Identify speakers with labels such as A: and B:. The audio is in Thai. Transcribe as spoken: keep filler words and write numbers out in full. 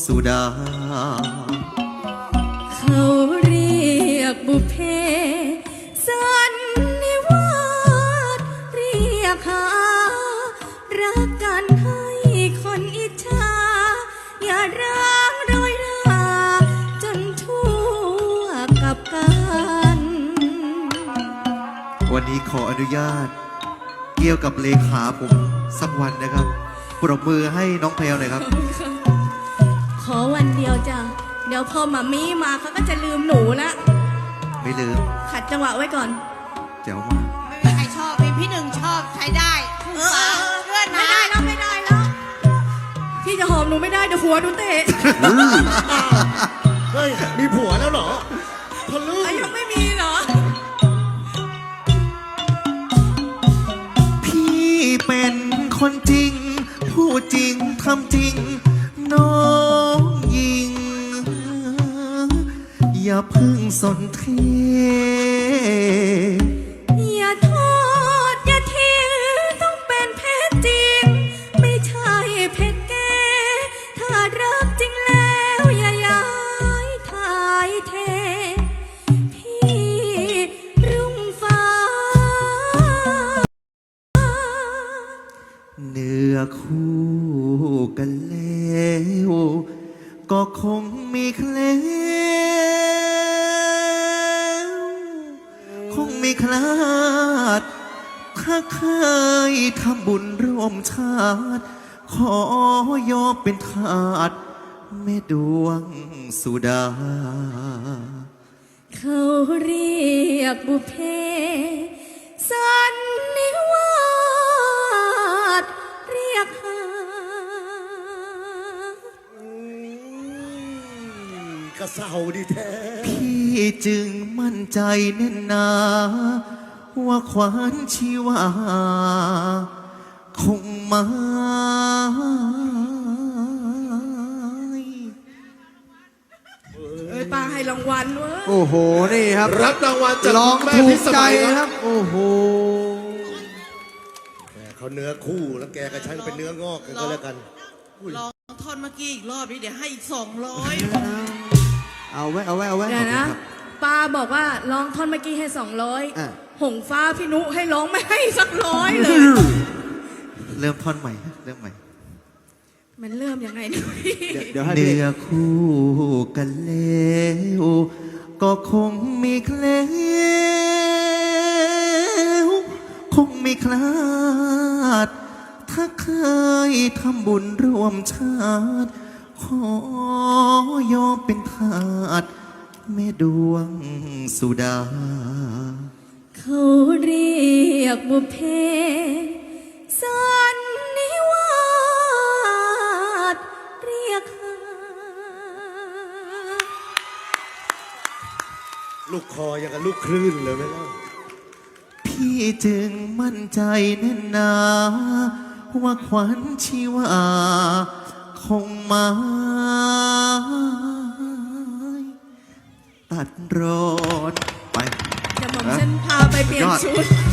A: สุดา
B: เขาเรียกบุพเพสันนิวาสเรียกหารักกันให้คนอิจฉาอย่าร้างรอยราจนทั่วกับกัน
A: วันนี้ขออนุญาตเกี่ยวกับเลขาผมสักวันนะครับปรบมือให้น้องแพลวหน่อยครับ
B: ขอวันเดียวจ้ะเดี๋ยวพอมามีมาเขาก็จะลืมหนูละ
A: ไม่ลืม
B: ขัดจังหวะไว้ก่อน
A: แจ๋วมาก
C: ไม่มีใครชอบมีพี่หนึ่งชอบใช้ได้เออเพื่อน
B: ไม่ได้แล้วไม่ได้แล้วพี่จะหอมหนูไม่ได้เดี๋ยวหัวหนูเตะ
D: เฮ้ยมีผัวแล้วเหรอทะลึ่ง
B: ยังไม่มีเหรอ
A: พี่เป็นคนจริงพูดจริงทำจริงน้องยิงอย่าพึ่งสนเท
B: อย่าโทษอย่าทิ้งต้องเป็นเพศจริงไม่ใช่เพศแก่ถ้ารักจริงแล้วอย่าย้ายทายเทพี่รุ่งฟ้า
A: เนื้อคู่กันแล้วก็คงมีแคล้วคงมีคลาดถ้าเคยทำบุญร่วมชาติขอยอมเป็นทาสแม่ดวงสุดา
B: เขาเรียกบุพเพสันนิวาสเรียกหาก
D: ระเซาดีแท้
A: พี่จึงมั่นใจแน่นหนาว่าขวานชีวาคงมา
B: เอ้ยป้าให้รางวัลเว้ย
E: โอ้โหนี่ครับ
D: รับรางวัลจาก
E: ร้องถูกใจ
D: ครั
E: ครับ โอ้โห
D: เขาเนื้อคู่แล้วแกกับฉันเป็นเนื้องอกกันก็แล้วกัน
C: ลองท่อนเมื่อกี้อีกรอบนี้เดี๋ยวให้อีกสองร้อย
E: เอาไว้เอาไว้เอาไว้
B: เดี๋ยวนะป้าบอกว่าร้องท่อนเมื่อกี้ให้สองร้อยหงฟ้าพี่นุให้ร้องไม่ให้สักร้อยเลย
A: เริ่มท่อนใหม่เริ่มใหม่
B: มันเริ่มยังไงเนี่ย
A: เดี๋ยวให้เนื้อคู่กันแล้วก็คงมีแคล้วคงมีคลาดถ้าเคยทำบุญร่วมชาติขอยอมเป็นทาสแม่ดวงสุดา
B: เขาเรียกบุพเพสันนิวาสเรียกหา
D: ลูกคอยังกับลูกคลื่นเลยไหมล่ะ
A: พี่จึงมั่นใจแน่นหนาว่าขวัญชีวาคงมาตัดรอดไป
B: จะหม่อมฉันพาไปเปลี่ยนชุด